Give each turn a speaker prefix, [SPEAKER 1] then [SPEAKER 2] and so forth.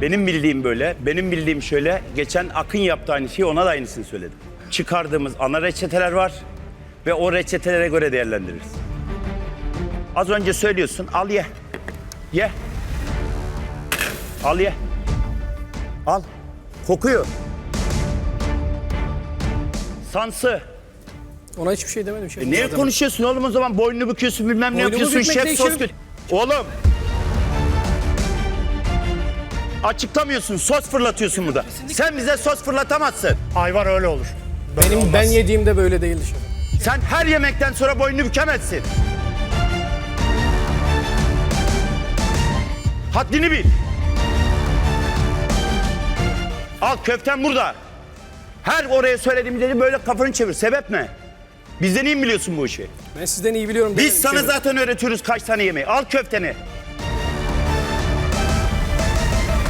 [SPEAKER 1] Benim bildiğim böyle, benim bildiğim şöyle. Geçen Akın yaptı aynı şeyi, ona da aynısını söyledim. Çıkardığımız ana reçeteler var ve o reçetelere göre değerlendiririz. Az önce söylüyorsun, al ye. Ye. Al ye. Al. Kokuyor. Sansı.
[SPEAKER 2] Ona hiçbir şey demedim. Şefim.
[SPEAKER 1] Niye
[SPEAKER 2] Zaten.
[SPEAKER 1] konuşuyorsun oğlum o zaman? Boynunu büküyorsun, bilmem ne
[SPEAKER 2] Boynumu
[SPEAKER 1] yapıyorsun,
[SPEAKER 2] bükmek
[SPEAKER 1] şef
[SPEAKER 2] değil,
[SPEAKER 1] sos
[SPEAKER 2] şefim.
[SPEAKER 1] kötü. Oğlum. Açıklamıyorsun, sos fırlatıyorsun burada. Sen bize sos fırlatamazsın.
[SPEAKER 3] Ayvar öyle olur. Böyle
[SPEAKER 2] Benim
[SPEAKER 3] olmaz.
[SPEAKER 2] ben yediğimde böyle değildi şefim.
[SPEAKER 1] Sen her yemekten sonra boynunu bükemezsin. Haddini bil. Al köften burada. Her oraya söylediğimde böyle kafanı çevir. Sebep ne? Bizden iyi mi biliyorsun bu işi?
[SPEAKER 2] Ben sizden iyi biliyorum.
[SPEAKER 1] Biz
[SPEAKER 2] demedim
[SPEAKER 1] sana
[SPEAKER 2] şefim.
[SPEAKER 1] zaten öğretiyoruz kaç tane yemeği. Al köfteni.